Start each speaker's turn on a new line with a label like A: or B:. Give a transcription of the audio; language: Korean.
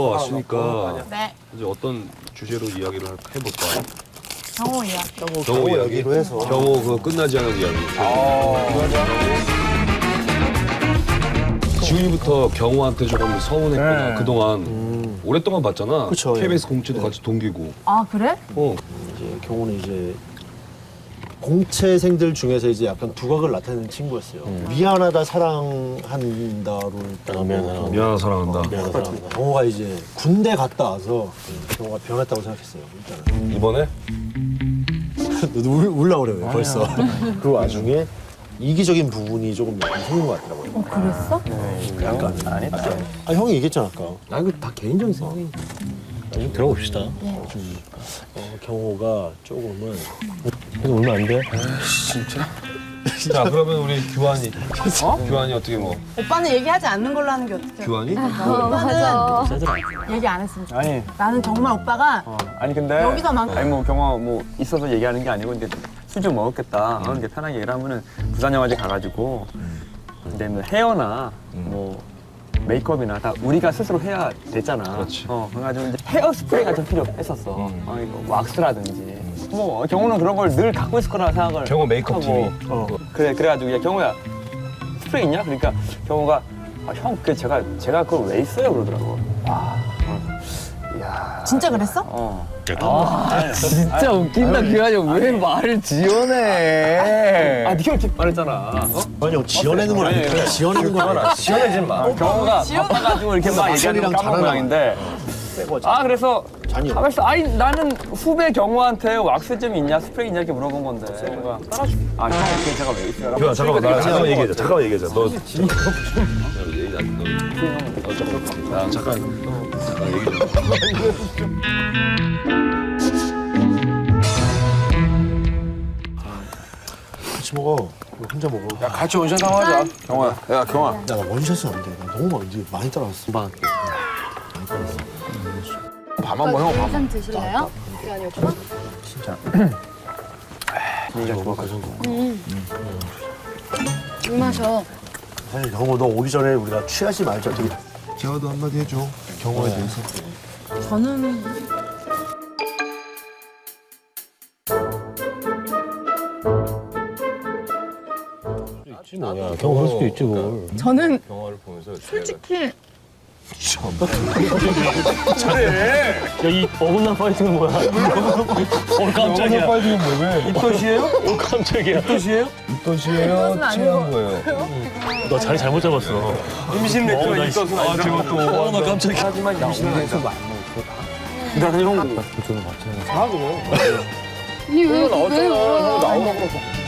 A: 왔으니까
B: 네.
A: 이제 어떤 주제로 이야기를 해볼까?
B: 경호 이야기.
A: 경호 이야기?
C: 이야기로 해서.
A: 경호 그 끝나지 않은 이야기. 지훈이부터 경호한테 조금 서운했구나.
D: 네.
A: 그동안 오랫동안 봤잖아.
C: 그쵸,
A: KBS 공채도 같이 동기고.
B: 아 그래?
C: 이제 경호는 이제 공채생들 중에서 이제 약간 두각을 나타내는 친구였어요. 미안하다 사랑한다로 일단
A: 미안하다 사랑한다.
C: 미안하다 사랑한다. 경호가 이제 군대 갔다 와서 경호가 변했다고 생각했어요. 일단은.
A: 이번에
C: 너도 울라 그래 왜 벌써. 그 와중에 이기적인 부분이 조금 생긴 것 같더라고요.
B: 그랬어?
C: 약간 아니다. 아 형이 얘기했잖아 아까. 아 이거 다 개인적인 생각이니까. 좀 들어봅시다. 경호가 조금은 그래서 울면 안 돼?
A: 자 그러면 우리 규환이. 규환이 어떻게 뭐?
B: 오빠는 얘기하지 않는 걸로 하는 게 어떡해?
A: 규환이?
B: 오빠는 얘기 안 했으면 좋겠어.
D: 아니,
B: 나는 정말 오빠가
D: 아니 근데
B: 여기서만-
D: 아니 뭐 경호 뭐 있어서 얘기하는 게 아니고 이제 술 좀 먹었겠다. 이렇게 편하게 얘기를 하면은 부산 영화제 가가지고 이제 뭐 헤어나 뭐 메이크업이나 다 우리가 스스로 해야 됐잖아.
A: 그렇지.
D: 그래가지고 이제 헤어 스프레이가 좀 필요했었어. 이거 왁스라든지. 뭐 경호는 그런 걸 늘 갖고 있을 거라 생각을.
A: 경호 메이크업
D: 하고.
A: 팀이.
D: 그래가지고 야 경호야 스프레이 있냐? 그러니까 경호가 아, 형 제가 그걸 왜 있어요? 그러더라고. 이야.
B: 진짜 그랬어?
E: 진짜 웃긴다. 규환이 형 왜 말을 지어내?
D: 아, 네가 이렇게 말했잖아.
C: 아니 형 지어내는 건 아니야. 지어내는 건 아니야.
D: 지어내지 마. 경호가 바빠가지고 이렇게 막 얘기하는 건 까먹은 모양인데. 아, 그래서
C: 잔이요.
D: 가만있어. 아니, 나는 후배 경호한테 왁스 좀 있냐, 스프레이 있냐 이렇게 물어본 건데. 뭔가 따라줄게. 아, 형, 그게 제가 왜 있어요?
A: 규환 잠깐만 나 잠깐만 얘기하자. 잠깐만 얘기하자. 너 얘기 나 잠깐 얘기 좀.
C: 같이 먹어. 이거 혼자 먹어.
E: 야, 같이 원샷 한번 하자. 경호야. 야, 경호야.
C: 야, 나 원샷은 안 돼. 나 너무 많이 따라왔어.
E: 밥 한번 형 밥.
F: 좀 드실래요? 규환이 오빠?
D: 분위기가 좋아가지고.
F: 물 마셔.
C: 사실 경호 너 오기 전에 우리가 취하지 말자. 되게. 재화도 한마디 해줘. 경호에 대해서.
B: 저는
C: 뭐야. 경호 그럴 수도 있지 뭘.
B: 저는
A: 영화를 보면서
B: 솔직히
C: 야이 어긋난 파이팅은 뭐야? 깜짝이야.
A: 파이팅은 왜?
C: 입덧이에요? 깜짝이야. 입덧이에요?
A: 입덧이에요? 취한 거예요?
C: 너 자리 잘못 잡았어.
D: 임신 맥주가 있어서
A: 아 제가 또
C: 나 깜짝이야.
D: 하지만 임신은 안 먹어. 나는 형.
F: 아니 왜 울어?